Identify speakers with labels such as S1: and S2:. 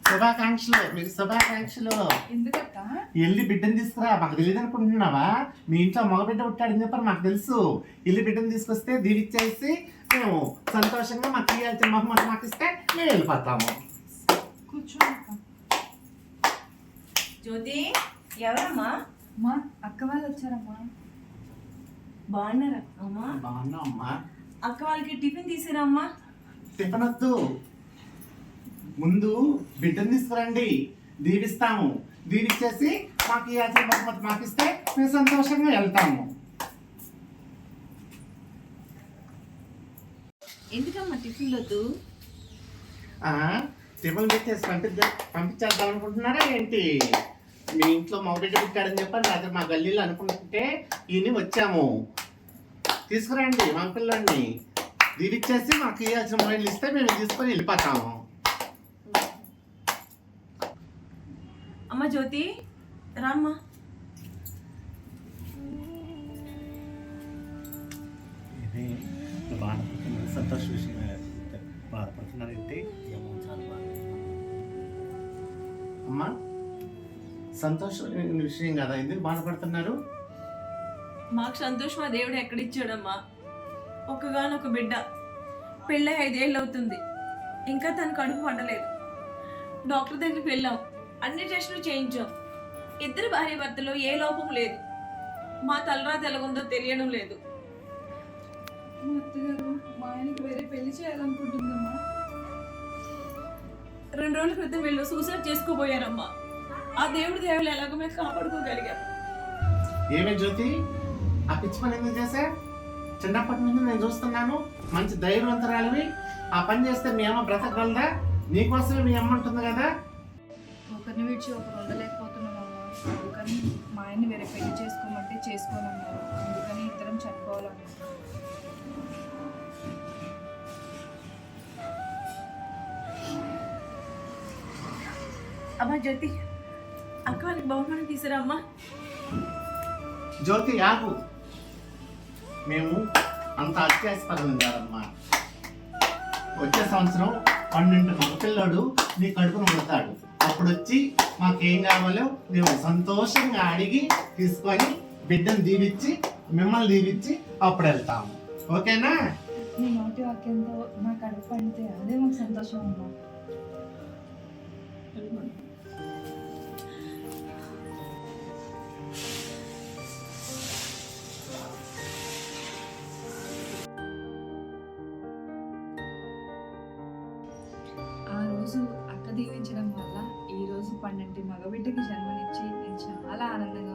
S1: శుభాకాంక్షలు, మీకు శుభాకాంక్షలు.
S2: ఎందుకక్క?
S1: వెళ్ళి బిడ్డను తీసుకురా. మాకు తెలియదు అనుకుంటున్నావా? మీ ఇంట్లో మగ బిడ్డ పుట్టాడని చెప్పారు, మాకు తెలుసు. వెళ్ళి బిడ్డను తీసుకొస్తే దీవిచ్చేసి మేము సంతోషంగా మాకు ఇవ్వాల్సిన బహుమతి మాకు ఇస్తే మేము వెళ్ళిపోతాము.
S2: కూర్చో అక్క.
S3: జ్యోతి, ఎవరమ్మా?
S2: అమ్మా, అక్క వాళ్ళు వచ్చారమ్మా.
S3: బాగున్నారా అమ్మా?
S1: బాగున్నాం అమ్మా.
S3: అక్క వాళ్ళకి టిఫిన్ తీసిరమ్మా.
S1: టిఫిన్ వద్దు, ముందు బిడ్డను తీసుకురండి, దీవిస్తాము. దీవిచ్చేసి మాకు ఇవ్వాల్సిన బహుమతి మాకు ఇస్తే మేము సంతోషంగా వెళ్తాము.
S3: ఎందుకమ్మా టిఫిన్ వద్దు?
S1: టిఫిన్ పెట్టేసి పంపించేద్దాం అనుకుంటున్నారా ఏంటి? మీ ఇంట్లో మగ బిడ్డ పుట్టాడని చెప్పారు, రాత్రి మా గల్లీలో అనుకుంటుంటే ఈయన వచ్చాము. తీసుకురండి మా పిల్లల్ని, దీవిచ్చేసి మాకు ఇవ్వాల్సిన మొబైల్ ఇస్తే మేము తీసుకొని వెళ్ళిపోతాము.
S3: అమ్మ జ్యోతి, రామ్మా.
S1: సంతోష విషయం బాధపడుతున్నారంటే అమ్మా, సంతోషమైన విషయం కదా, ఎందుకు బాధపడుతున్నారు?
S3: మాకు సంతోషం ఆ దేవుడు ఎక్కడిచ్చాడమ్మా. ఒక్కగానొక బిడ్డ, పెళ్ళై 5 ఏళ్ళు అవుతుంది, ఇంకా తన కడుపు పడలేదు. డాక్టర్ దగ్గరికి వెళ్ళాం, అన్ని టెస్టులు చేయించాం. 2 భార్య భర్తలో ఏ లోపం లేదు. మా తలరాత ఎలాగుందో తెలియడం లేదు.
S2: మా అత్తగారు మా ఆయనకి వేరే పెళ్లి చేయాలనుకుంటుందమ్మా.
S3: 2 రోజుల క్రితం వీళ్ళు సూసైడ్ చేసుకోబోయారమ్మా. ఆ దేవుడి దేవుళ్ళు ఎలాగో మేము కాపాడుకోగలిగాం.
S1: ఏమే జ్యోతి, ఆ పిచ్చి పని ఎందుకు చేశా? చిన్నప్పటి నుంచి నేను చూస్తున్నాను, మంచి ధైర్యవంతరాలివి. ఆ పని చేస్తే మీ అమ్మ బ్రతకగలదా? నీకోసమే మీ అమ్మ ఉంటుంది కదా.
S2: ఒకరిని విడిచి ఒకరు ఉండలేకపోతున్నామమ్మా. అందుకని మా ఆయన్ని వేరే పెళ్లి చేసుకోమంటే చేసుకోనన్నారు. అందుకని ఇద్దరం చనిపోవాలన్నారు.
S3: అమ్మా జ్యోతి, అక్క వాళ్ళకి బహుమానం తీసిరమ్మా.
S1: జ్యోతి ఆగు, మేము అంత అత్యాసపరం కాదమ్మా. వచ్చే సంవత్సరం 12 మగపిల్లాడు నీ కడుపును పుడతాడు. అప్పుడు వచ్చి మాకేం కావాలో మేము సంతోషంగా అడిగి తీసుకొని బిడ్డను దీవిచ్చి మిమ్మల్ని దీవిచ్చి అప్పుడు వెళ్తాము. ఓకేనా?
S2: నీ నోటి వాక్యంతో మా కడుపు పండితే అదే మాకు సంతోషం అమ్మా. ఆ రోజు అక్క దీవించడం వల్ల ఈ రోజు 12 మగబిడ్డకి జన్మనిచ్చి నేను చాలా ఆనందంగా